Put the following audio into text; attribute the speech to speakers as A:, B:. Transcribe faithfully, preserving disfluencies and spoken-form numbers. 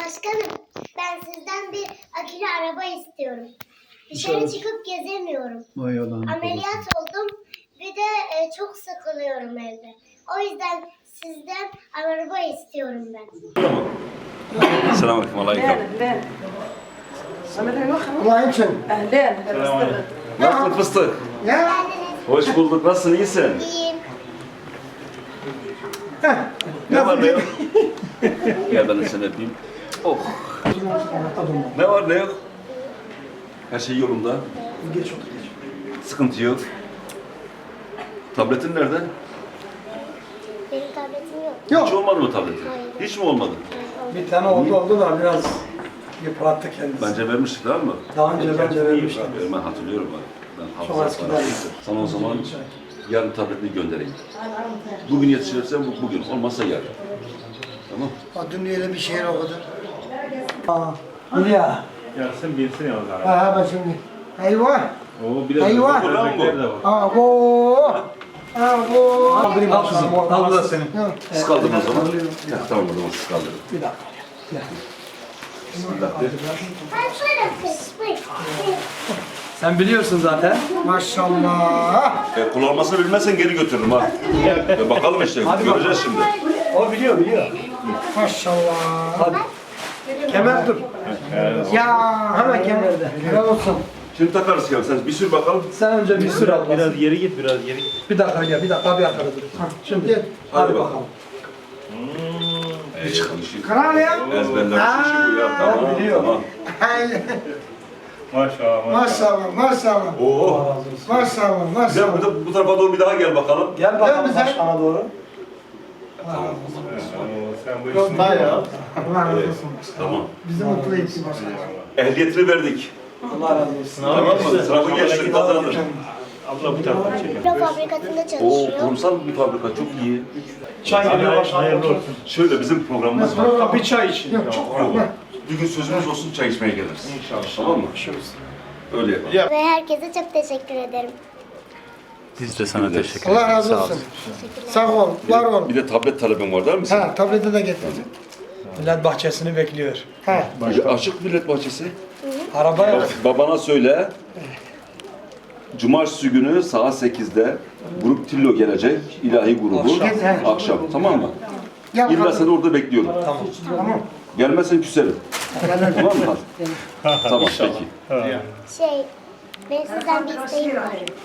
A: Başkanım, ben sizden bir akülü araba istiyorum. Dışarı çıkıp gezemiyorum.
B: Vay Allah'ım.
A: Ameliyat oldum. Bir de e, çok sıkılıyorum evde. O yüzden sizden araba istiyorum ben.
C: Selamünaleyküm. Aleyküm.
D: اهلين اهلين
B: Allah için.
D: اهلين هلا
C: Nasılsın fıstık?
B: Ya.
C: Hoş bulduk. Nasılsın? İyisin?
A: İyiyim.
C: Ne var ne yok? Gel ben de seni öpeyim. Oh. Ne var ne yok? Her şey yolunda.
B: Geç otur geç.
C: Sıkıntı yok. Tabletin nerede?
A: Benim tabletim yok.
C: Hiç
B: Yok.
C: olmadı mı tabletin?
A: Hayır.
C: Hiç mi olmadı?
B: Bir tane oldu oldu da biraz yıprattı kendisi.
C: Bence vermiştik değil mi?
B: Daha önce bence vermiştim.
C: Ben hatırlıyorum ben. Ben
B: Çok
C: hafıza
B: eskiden.
C: Sana o zaman yarın tabletini göndereyim. Bugün yetişirsen bu- bugün, olmazsa yarın. Tamam.
B: Dün öyle bir şehir o kadar. Aa, Hülya.
E: Yatsın bilsin ya o zaman.
B: Ha ha ben şimdi. Eyvah.
E: Oo biraz
B: Eyvah.
E: da börekler de var.
B: Abo. Abo. Al kızım. Al da senin.
C: Siz kaldırın o zaman. Ya, tamam o zaman siz kaldırın.
B: Bir dakika. Gel.
A: Ben şöyle fıstık.
F: Sen biliyorsun zaten.
B: Maşallah.
C: E, kullanmasını bilmezsen geri götürürüm ha. E, bakalım işte, göreceğiz şimdi.
F: O biliyor biliyor.
B: Maşallah.
F: Hadi. Kemer dur.
B: Ya hemen kemerde. Helal olsun.
C: Şimdi takarız ya, sen bir sür bakalım.
F: Sen önce bir sür al.
E: Biraz geri git, biraz geri git.
F: Bir dakika ya bir dakika bir arkada dur. Şimdi
B: Gel.
F: hadi,
C: bakalım.
F: bakalım.
C: E, işi,
B: Kral ya.
C: ezberlemiş işi bu ya, tamam,
F: biliyor.
C: tamam.
E: Maşallah maşallah.
B: Maşallah maşallah.
C: Oo.
B: Maşallah
C: Sen
B: maşallah.
C: bu, da- bu tarafa doğru bir daha gel bakalım.
F: Gel bakalım
B: bize.
F: başkana doğru.
C: Tamam,
E: Oo, sen bu işin
B: Hayır ya.
E: ya.
B: Allah razı olsun.
C: tamam.
B: Bizi mutlu etsin başkanım.
C: Ehliyetini verdik.
F: Allah razı olsun.
C: Tamam mı? Sınavı geçtin, kazandın.
E: Abla bu tarafa çekin.
A: Büro fabrikasında
C: Oo,
A: çalışıyor.
C: kurumsal bir fabrika, çok iyi.
F: Çay geliyor başkana.
E: Hayırlı olsun.
C: Şöyle bizim programımız var.
F: Ha, bir çay için.
B: Yok çok
C: Oo, bir gün sözümüz olsun, çay içmeye geliriz.
E: İnşallah.
C: Tamam mı? Öyle yapalım.
A: Ve herkese çok teşekkür ederim.
G: Biz de sana teşekkür
B: Allah
G: ederiz.
B: razı
G: Sağ
B: olsun. Sağ ol, var ol.
C: Bir de tablet talebin var değil mi senin?
B: Ha, tableti de getirdim.
F: Millet bahçesini bekliyor.
B: Ha.
C: Açık Millet Bahçesi.
F: Arabaya
C: Bak, babana söyle. Cumartesi günü saat sekizde Grup Tillo gelecek. İlahi grubu.
F: Akşam.
C: Akşam. Tamam mı?
B: Gel
C: İlla
B: bakalım.
C: seni orada bekliyorum.
F: tamam.
B: Tamam.
C: Gelmezsen küserim. Tamam mı? Hadi. Tamam peki.
A: Şey, benim sizden bir isteğim var.